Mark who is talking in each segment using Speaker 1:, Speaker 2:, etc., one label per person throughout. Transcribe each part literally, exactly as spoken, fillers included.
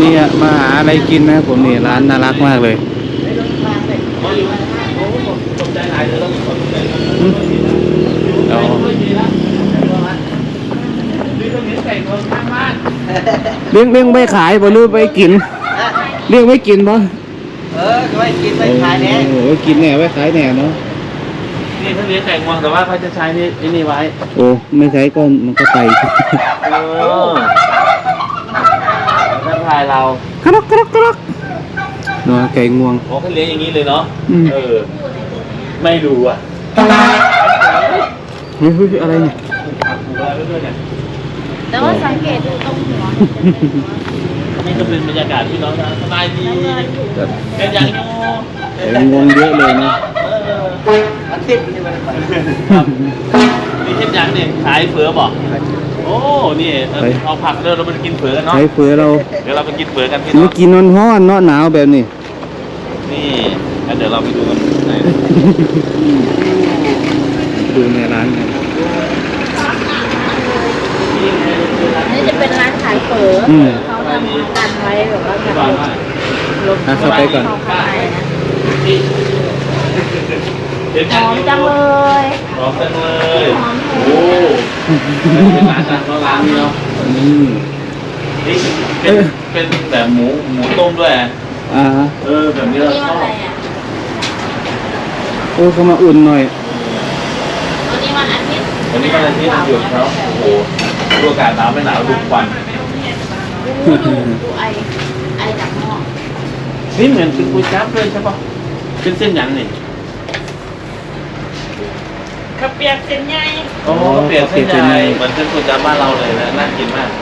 Speaker 1: นี่มาหาอะไรกินนะผมนี่ร้านน่ารักมากเลยอ๋อเลี้ยงเลี้ยงไม่ขายบ่รู้ไปกินเลี้ยงไม่กินบ่
Speaker 2: เออไว้กินไว้ขายแน่
Speaker 1: โอ้กินแน่ไว้ขายแน่เนาะ
Speaker 3: นี่เขาเลี้ยงไก่งวงแต่ว่าเขาจะใช้นี่นี่ไว้
Speaker 1: โอ้ไม่ใช้ก็มันก็ไป
Speaker 3: เออทักทายเรา
Speaker 1: กรอกกรอกกรอกเนาะไก่งวง
Speaker 3: โอ้เขาเลี้ยงอย่างนี้เลยเนาะเออไม่รู้อ่ะ
Speaker 1: เฮ้ยอะไรเนี่ย
Speaker 4: แต่ว่าสังเกตดูตรงหัว
Speaker 3: นี่ก็เป็นบรรยากาศที่น้องสบายดีเป็นอย่างนี้
Speaker 1: ไก่งวงเยอะเลยนะ
Speaker 2: อาทิตย์นี่มันไป
Speaker 3: นี่เช่นอย่างเนี่ยขายเฟือบอกโอ้นี่เอาผักเดี๋ยวเราไปกินเฟือกันเนาะ
Speaker 1: ขายเฟือเรา
Speaker 3: เดี๋ยวเราไปกินเฟือกันพี่
Speaker 1: น้
Speaker 3: อง
Speaker 1: กินนอนห้อนเนาะหนาวแบบนี้
Speaker 3: นี่เดี๋ยวเราไปดูกันไหน
Speaker 1: ดูในร้านกัน
Speaker 4: นี่จะเป็นร้านขายเฝอเขาทำกันไว้แบบว่าแบบลบ
Speaker 1: เข้าไปก่อน
Speaker 4: หอมจังเลย
Speaker 3: หอมจังเลยโอ้เป็นร้านดังร้านนี้เนาะนี่เป็นเป็นแบบหมูหมูต้มด้วย
Speaker 1: อ่า
Speaker 3: เออแบบนี้เราชอบ
Speaker 1: โอ้เขามาอุ่นหน่อย
Speaker 4: วันนี้วันอาทิตย์
Speaker 3: วันนี้วันอาทิตย์หยุดเขาโอ้โหดูอากาศหนาวไม่หนาวดูควัน
Speaker 4: ดูดูดูไอไอจากหม้อ
Speaker 3: นี่เหมือนเป็นก๋วยจั๊บเลยใช่ปะเป็นเส้นหยังนี่
Speaker 4: ข้าวเปียกเส้นใหญ่
Speaker 3: โอ้เปียกเส้นใหญ่เหมือนเส้นก๋วยจั๊บบ้านเราเลยนะน่ากินมาก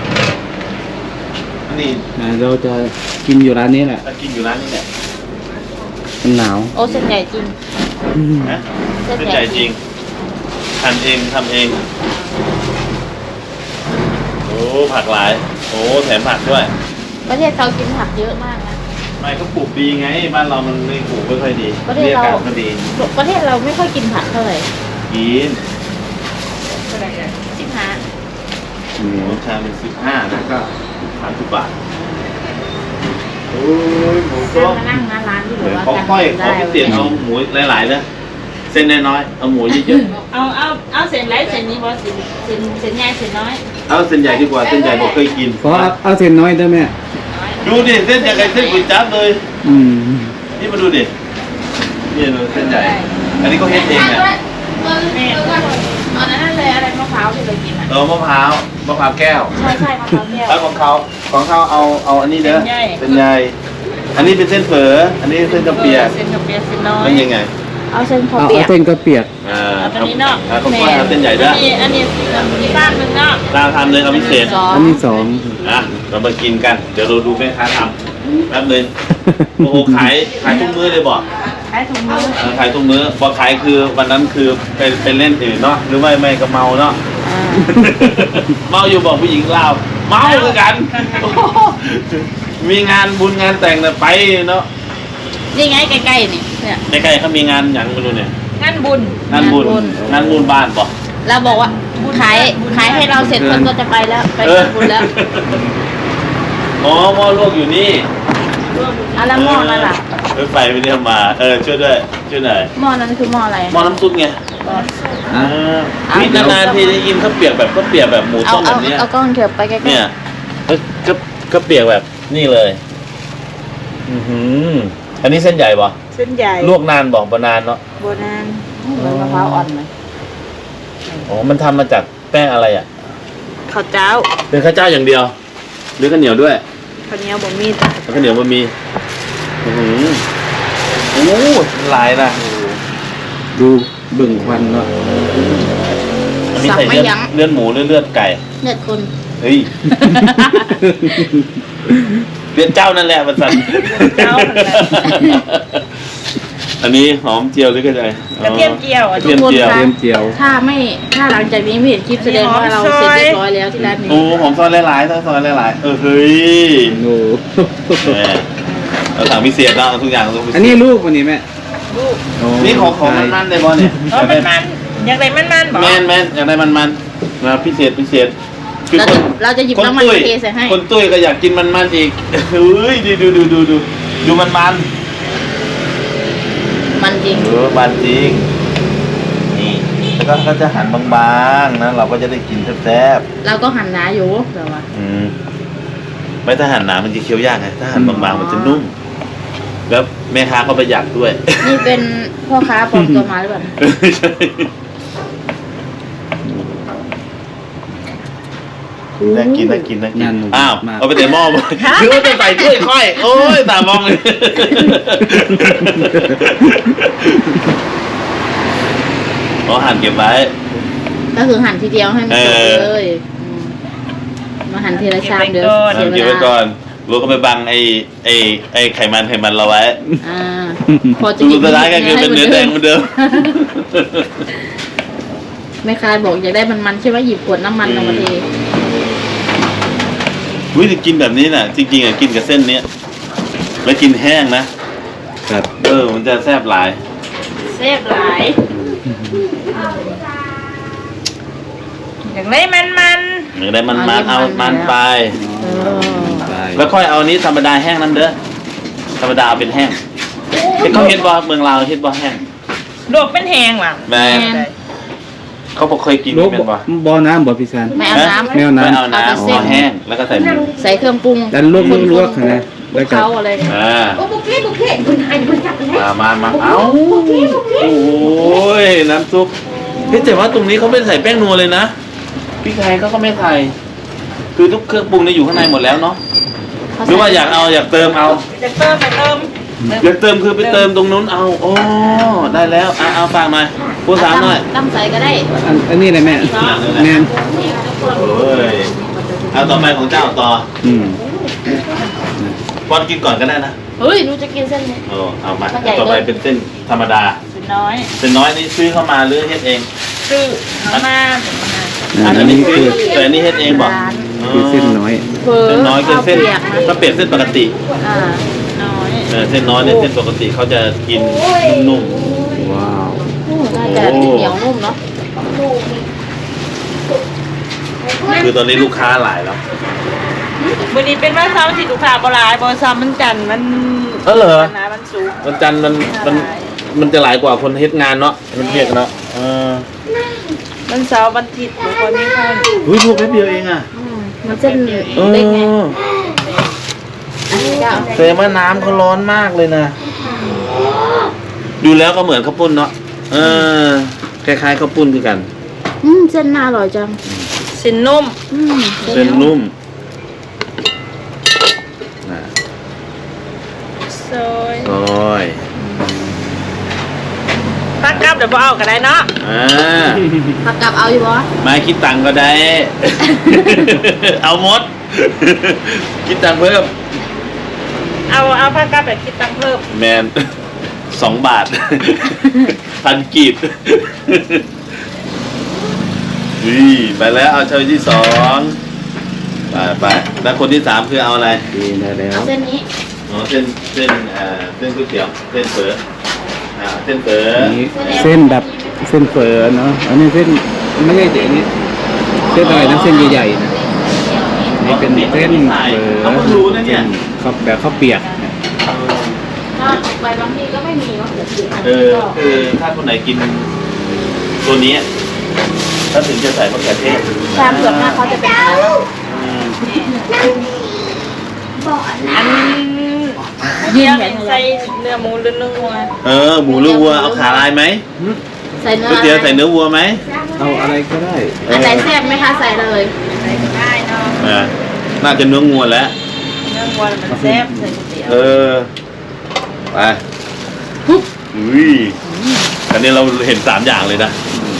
Speaker 3: นี่
Speaker 1: เราจะกินอยู่ร้านนี้แหละ
Speaker 3: จะกินอยู่ร้านนี้แหละ
Speaker 1: มันหนาว
Speaker 4: โอ้เส้นใหญ่จริง
Speaker 3: นะเส้นใหญ่จริงหั่นเองทำเองโอ้ผักหลายโอ้แถมผักด้วย
Speaker 4: ประเทศเขากินผักเยอะมากนะ
Speaker 3: ไม่ก็ปลูกดีไงบ้านเรามันไม่ปลูกไม่ค่อยดี
Speaker 4: ประเทศเรา
Speaker 3: ก็ดี
Speaker 4: ประเทศเราไม่ค่อยกินผักเท่าไหร่
Speaker 3: กิน
Speaker 4: สิบห้า
Speaker 3: หมูชามเป็นสิบห้าแล้วก็สามสิบบาทโอ้ยหมูก็
Speaker 4: มานั่งร้านร้านที่แบบว่า
Speaker 3: เขาค่อยเขาพิเศษเอาหมูหลายๆเลยเส้นน้อยๆเอาหมูเยอะ
Speaker 4: ๆเอาเอาเอาเส้นไหนเส้นนี้บ่เส้นเส้นเส้นใหญ่เส้นน้อย
Speaker 3: เอาเส้นใหญ่ดีกว่าเส้นใหญ่ผมเคยกิน
Speaker 1: ขอเอาเส้นน้อยได้ไหม
Speaker 3: ดูดิเส้นใหญ่กับเส้นก๋วยจั๊บเลย
Speaker 1: อืม
Speaker 3: นี่มาดูดินี่ดูเส้นใหญ่อันนี้ก็เฮ็ดเองเนี่ย
Speaker 4: อันนั้นเลยอะไรมะพร้าวที่เรากินอ่ะ
Speaker 3: เออมะพร้าวมะพร้าวแก้ว
Speaker 4: ใช่ใช่มะพร้าวแก้ว
Speaker 3: แล้วของเขาของเขาเอาเอาอันนี้เด้อเส้นใหญ่อันนี้เป็นเส้นเฝออันนี้เส้นกระเปียก
Speaker 4: เส้นกระเปียกเส้นน้อย
Speaker 3: มันยังไง
Speaker 4: เอาเส้นกระ
Speaker 1: เปียกเอาเส้นกระเปียก
Speaker 3: อ่า
Speaker 4: อันนี้เนาะ
Speaker 3: เขาก็เอาเส้นใหญ่ด้วย
Speaker 4: อันนี้อันนี้มีบ้านนึงเนาะ
Speaker 3: ตามทำเลยเอาพิเศษ
Speaker 1: อันนี้สอง
Speaker 3: อ่ะเรามากินกันเดี๋ยวเราดูแม่ค้าทำแป๊บนึงโอ้โหขายขายทุกมื้อเลยบอก
Speaker 4: ขายทุกมื้อ
Speaker 3: ขายทุกมื้อบอกขายคือวันนั้นคือไปไปเล่นอื่นเนาะหรือไม่ไม่ก็เมาเนาะเมาอยู่บอกผู้หญิงลาวเมาคือกันมีงานบุญงานแต่งเนี่ยไปเนาะ
Speaker 4: นี่ไงใกล้ๆนี่
Speaker 3: เนี่ยใกล้ๆเขามีงานอย่างไม่รู้เนี่ย
Speaker 4: งานบุญ
Speaker 3: งานบุญงานบุญบ้านบอก
Speaker 4: เราบอกว่าขายขายให้เราเสร็จคนก็จะไปแล้วไปงานบุญแล้ว
Speaker 3: อ๋อหม้อลวกอยู่นี่
Speaker 4: อะไรหม้อนั่นล่ะ
Speaker 3: รถไฟไปเนี่ยมาเออช่วยด้วยช่วยหน่อย
Speaker 4: หม้อนั้นคือหม้ออะไร
Speaker 3: หม้อน้ำซุปไงอ่ามีนานๆทีได้ยินข้าวเปียกแบบข้าวเปียกแบบหมูต้มแบบนี้
Speaker 4: เอากล้องเถื่อไปใกล้ๆ
Speaker 3: เนี่ยก็ก็เปียกแบบนี่เลยอือหืออันนี้เส้นใหญ่ป่ะ
Speaker 4: เส้นใหญ่
Speaker 3: ลวกนานบอกบนานเนาะ
Speaker 4: บนานเหมือนมะพร้าวอ่อนไหม
Speaker 3: อ๋อมันทำมาจากแป้งอะไรอ่ะ
Speaker 4: ข้าวเจ้า
Speaker 3: เป็นข้าวเจ้าอย่างเดียวหรือข้าวเหนียวด้วย
Speaker 4: ข้าวเหนียวบะหมี่
Speaker 3: ข้าวเหนียวบะหมี่อือหือโอ้หลายนะ
Speaker 1: ดูบึ่งควันเนาะ
Speaker 3: อันนี้ใส่เลือดเลือดหมูเลือดเลือดไก่
Speaker 4: เลือดคน
Speaker 3: เฮ้ยเลือดเจ้านั่นแหละมันสั่น
Speaker 4: เจ้า
Speaker 3: อันนี้หอมเจียวหรือกระเทียม
Speaker 4: กระเทียมเจียว
Speaker 3: ทุกคน
Speaker 1: กระเทียมเจียว
Speaker 4: ถ้าไม่ถ้าหลังจากนี้ไม่เห็นคลิปแสดงว่าเราเสร็จเรียบร้อยแล้วที่ร้านนี้
Speaker 3: โอ้หอมซอยหลายๆซอยหลายๆเออเฮ้ย
Speaker 1: โอ้
Speaker 3: เราสั่งพิเศษแล้วทุกอย่างทุก
Speaker 1: อันนี้ลูกวันนี้แม่
Speaker 4: ลูก
Speaker 3: นี่ของของมันๆเลยบอลเนี่ย
Speaker 4: เออมันๆอยากได้มันๆบอก
Speaker 3: แมนแมนอยากได้มันๆมาพิเศษพิเศษคือ
Speaker 4: เรา
Speaker 3: ค
Speaker 4: จะ
Speaker 3: น
Speaker 4: เราจะหยิบ
Speaker 3: คน
Speaker 4: น้ำมัน
Speaker 3: ตุ้ย
Speaker 4: เทใส่ให้
Speaker 3: คนตุ้ยก็อยากกินมันมันๆอีกเฮ้ยดูดูดูดูดูดูมันมัน
Speaker 4: มันจริง
Speaker 3: เออมันจริงนี่แล้วก็เขาจะหั่นบางๆนะเราก็จะได้กินแซ่บ
Speaker 4: เราก็หั่นหนาอยู่แต่ว่า
Speaker 3: ๆอืมไม่ถ้าหั่นหนามันจะเคี้ยวยากไงถ้าหั่นบางๆมันจะนุ่ม แล้วแม่ค้าก็ประหยัดด้วย
Speaker 4: นี่เป็นพ่อค้าปลอมตัวมาหรือเปล่า
Speaker 3: ใช่น่ากินน่ากินน่ากินอ้าวเอาไปแต่หม้อหมดหรือว่าจะใส่ถ้วยค่อย โอ้ยตามองเลยอ๋อหั่นเก็บไว้
Speaker 4: ก็คือหั่นทีเดียวให้มันจบ
Speaker 3: เออ
Speaker 4: เลยอืมมาหั่นทีละชามเดี๋ยว
Speaker 3: หั่น
Speaker 4: เสี
Speaker 3: เก็
Speaker 4: ย
Speaker 3: บ
Speaker 4: เว
Speaker 3: ไว้
Speaker 4: ลา
Speaker 3: ก่อนรู้ก็ไปบังไอ้ไอ้ไอ้ไขมันไขมันเราไว้
Speaker 4: อ่าพอจะ
Speaker 3: สุดท้ายก็คือเป็นเนื้อแดงเหมือนเดิม
Speaker 4: แม่ค้าบอกอยากได้มันๆใช่ไหมหยิบขวดน้ำมันลงมาเท
Speaker 3: วิธีกินแบบนี้น่ะ จริงๆอ่ะกินกับเส้นเนี้ยแล้วกินแห้งนะครับ เออมันจะแซ่บหลาย
Speaker 4: เสียบหลาย
Speaker 5: อยากได้มันมัน
Speaker 3: อย่างได้มันมันเอามันไป
Speaker 4: เออ
Speaker 1: ได้
Speaker 3: แล้วค่อยเอานี้ธรรมดาแห้งน้ำเด้อธรรมดาเอาเป็นแห้งเห็นเขาเห็นบ่เมืองลาวเห็นบ่แห้ง
Speaker 5: ๆลวกเป็นแหงว่ะ
Speaker 3: แม่เขาบอกเคยกิน
Speaker 1: ลูก
Speaker 3: เป็นบ่
Speaker 1: บ่อน้ำบ่พี่ซัน
Speaker 4: ไม่เอาน้ำ
Speaker 1: ไม่เอาน้ำ
Speaker 3: ไม่เอาน้ำ
Speaker 4: เอาแต่เส้น
Speaker 3: เอาแห้งแล้วก็ใส่หมู
Speaker 4: ใส่เครื่องปรุง
Speaker 1: ดันลวกลวกลวกนะแล้วก็
Speaker 4: เขาอะไรเนี่ย
Speaker 3: อ่า
Speaker 5: โอ้บุกเล่บุกเล่คุณไอ้คุณจับเลย
Speaker 3: มามามาเอาโอ้ยน้ำซุปเฮ้ยแต่ว่าตรงนี้เขาไม่ใส่แป้งนัวเลยนะพริกไทยเขาก็ไม่ใส่คือทุกเครื่องปรุงเนี่ยอยู่ข้างในหมดแล้วเนาะหรือว่าอยากเอาอยากเติมเอา
Speaker 5: จะเติมไปเติม
Speaker 3: อยากเติมคือไปเติมตรงนู้นเอาโอ้ได้แล้วอ่ะเอาฝากหน่อยพูดสามหน่อย
Speaker 4: ตั้งใส่ก็ได้
Speaker 1: อันอันนี้เลยแม่แม่น
Speaker 3: โอ้ยเอาต่อไปของเจ้าต่อ
Speaker 1: อืม
Speaker 3: ป้อนกินก่อนก็ได้นะ
Speaker 4: เฮ้ยหนูจะกินเส้นนี้
Speaker 3: โอ้เอามา
Speaker 4: มันใหญ่
Speaker 3: ต่อไป
Speaker 4: เกิน
Speaker 3: เป็นเส้นธรรมดา
Speaker 5: เป็นน้อย
Speaker 3: เส้นน้อยนี่ซื้อเข้ามาหรือเฮ็ดเอง
Speaker 5: ซื้อเอามา
Speaker 1: อัน
Speaker 3: อันนี้
Speaker 1: นี้
Speaker 3: ซื้
Speaker 1: คือ อ
Speaker 3: แต่อันนี้เฮ็ดเองบอก
Speaker 1: คือเส้นน้อย
Speaker 4: เฟอ
Speaker 3: เส้นน้อยคือเส้น
Speaker 4: ข้าวปียกนะ
Speaker 3: ถ้าเปลี่ยนเส้นปกติ
Speaker 4: อ่า
Speaker 5: น้อย
Speaker 3: เออเส้นน้อยเนี่ยเส้นปกติเขาจะกินนุ่ม
Speaker 1: ว้าว
Speaker 4: โอ้น่าจะเหนียวนุ่มเนาะ
Speaker 3: ๆคือตอนนี้ลูกค้าหลายแล้ว
Speaker 5: วันนี้เป็นวันเสาร์ที่ลูกค้าบ่หลายบ่เสาร์มันจันทร์มัน
Speaker 3: เออเหรอ
Speaker 5: วันนะมันสุกร์
Speaker 3: วันจันทร์มันมันมันจะหลายกว่าคนเฮ็ดงานเนาะมันเฮ็ดเนาะเออ
Speaker 5: วันเสาร์วันอาทิตย์บ่ค่อยมีคน
Speaker 3: อุ้ยพูดแป๊บเดียวเองอ่ะ
Speaker 4: อืมมันเส้น
Speaker 3: เอ
Speaker 4: เล็กไง
Speaker 3: อ
Speaker 4: อันนี้ก็เอา
Speaker 3: แต่ว่าน้ำเขาร้อนมากเลยนะ ดูแล้วก็เหมือนข้าวปุ้นเนาะ เออ คล้ายๆข้าวปุ้นคือกัน
Speaker 4: อืมเส้นน่าอร่อยจัง
Speaker 5: สินนุ่ม
Speaker 4: อืม
Speaker 3: เส้นนุ่มนะ
Speaker 5: ซอย
Speaker 3: ซอย
Speaker 5: ตักกลับเดี๋ยวบ่เอาก็ได้เนาะ
Speaker 3: อ่า
Speaker 4: ผักกับเอาอยู่บ่
Speaker 3: ไม่คิดตังค์ก็ได้ เอาหมด คิดตังค์เพิ่ม
Speaker 5: เอาเอาผักกลับแบบคิดตังค์เพิ่ม
Speaker 3: แมน สองบาท พันกีบ นี่ไปแล้วเอาเชยที่สองไปไปแล้วคนที่สามคือเอาอะไร
Speaker 1: ดีได้แล้ว
Speaker 4: เอาเส้นนี้
Speaker 3: อ๋อเส้นเส้นเอ่อเส้นก๋วยเตี๋ยวเส้นเฝออ่าเส้นเฝอ
Speaker 1: อันนี้เส้นแบบเส้นเฝอเนาะอันนี้เส้นไม่ใช่แต่อันนี้เส้นอะไรนะเส้นใหญ่ๆนะนี่เป็นเส้นเฝอ
Speaker 3: เขาเพิ่งรู้นะเนี่ย
Speaker 1: ข้าวแบบข้าวเปียกเนี่ย
Speaker 4: ถ้าออกไปบางทีก็ไม่มีว่าเกิดขึ้นอัน
Speaker 3: เอ
Speaker 4: นี้
Speaker 3: อ
Speaker 4: ก็
Speaker 3: คือถ้าคนไหนกินตัวนี้ถ้าถึงจะใส่มะเขือเทศ
Speaker 4: ชามส่วนมากเขาจะเป็นอะไร
Speaker 3: อืม
Speaker 5: อันเดียวนี่ใส่เนื้อหมูหรือเนื้อวัว
Speaker 3: เออหมูหรือวัวเอาขาลายไหม
Speaker 4: ใส่เนื้อ
Speaker 3: ก๋วยเตี๋ยวใส่เนื้อวัวไหม
Speaker 1: เอาอะไรก็ได้
Speaker 4: อันไหนแซ่บไหมคะใส่เลย
Speaker 5: ใส่ก็ได้เนาะ
Speaker 3: อ่าน่าจะเนื้องัวแล้ว
Speaker 5: เนื้อวัวมันแซ่บใส่ก๋วยเตี๋ยว
Speaker 3: เออไปอุ้ยอันนี้เราเห็นสามอย่างเลยนะ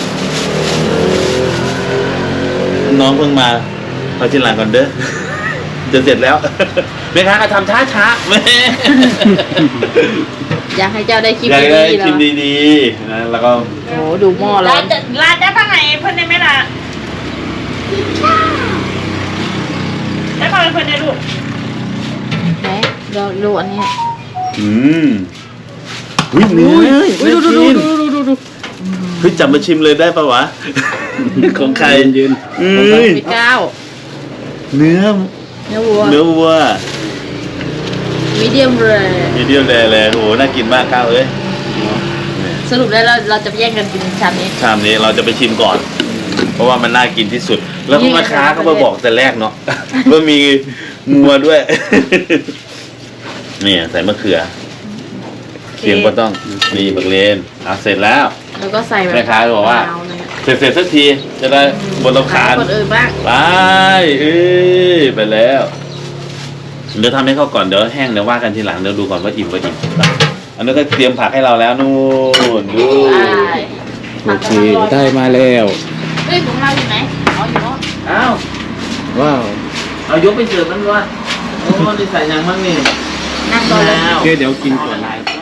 Speaker 3: น้องเพิ่งมาเอาชิ้นหลังก่อนเด้อ จะเสร็จแล้ว แม่ค้าก็ทำช้าช้าๆแม่
Speaker 4: อยากให้เจ้าได้คลิป
Speaker 3: อยาก
Speaker 4: ดี
Speaker 3: ได้
Speaker 4: ๆแล้
Speaker 3: ชิ
Speaker 4: ว
Speaker 3: มดีๆนะแล้วก็
Speaker 4: โอ้ดูหม้อร้
Speaker 5: ลา
Speaker 4: อน
Speaker 5: จะลาจะพังไหนเพิ่นได้ไหมล่ะได้พังเพิ่นได้ลูก
Speaker 4: ไหนเราดูอันนี้
Speaker 3: อืมอุ้ยเนื้อ
Speaker 4: อุ้ยดูดูดู
Speaker 3: น่ากิน
Speaker 4: ดูดูดูดู
Speaker 3: เฮ้ยจับมาชิมเลยได้ปะวะ ของใคร
Speaker 1: ยืน
Speaker 3: อื
Speaker 1: ๆ
Speaker 3: ม
Speaker 4: พี่ก้าว
Speaker 3: อเนื้อ
Speaker 4: เนื้อวัว
Speaker 3: เนื้อวัว
Speaker 4: มีเดียมเลย
Speaker 3: มีเดียมแดงเลยโอ้โหน่ากินมากก้าวเอ้ย
Speaker 4: สรุปแล้วเราเราจะแย่งกันกินชามนี้
Speaker 3: ชามนี้เราจะไปชิมก่อน เพราะว่ามันน่ากินที่สุด แล้วก็มาค้าก็มาบอกแต่แรกเนาะ ว่ามีงัวด้วย เนี่ยใส่มะเขือเคียงก็ต้องมีบักเลนอ่ะเสร็จแล้ว
Speaker 4: แล้วก็ใส่แบบ
Speaker 3: แม่ค้าบอกว่า
Speaker 4: มะนเนี่ย
Speaker 3: เสร็จเสร็จสักทีจะได้บนลำคาญ
Speaker 4: คนอื่นบ้าง
Speaker 3: ไปเอ้ยไปแล้ว เดี๋ยวทำให้เขาก่อนเดี๋ยวแห้งเดี๋ยวว่ากันทีหลังเดี๋ยวดูก่อนว่าอิ่มว่าอิ่มไปอันนี้ก็เตรียมผักให้เราแล้วนู่นดู
Speaker 4: ใช่
Speaker 1: โอเคได้มาแล้ว
Speaker 4: เฮ้ยของเราอยู่ไหนอ๋ออยู่โน่น
Speaker 3: อ้าว
Speaker 1: ว้าว
Speaker 3: เอายกไปเสิร์ฟนั่นวะโอ้นี่ใส่ยังมั่งนี่
Speaker 4: นั่งรอเลย
Speaker 1: โอเคเดี๋ยวกินก่อน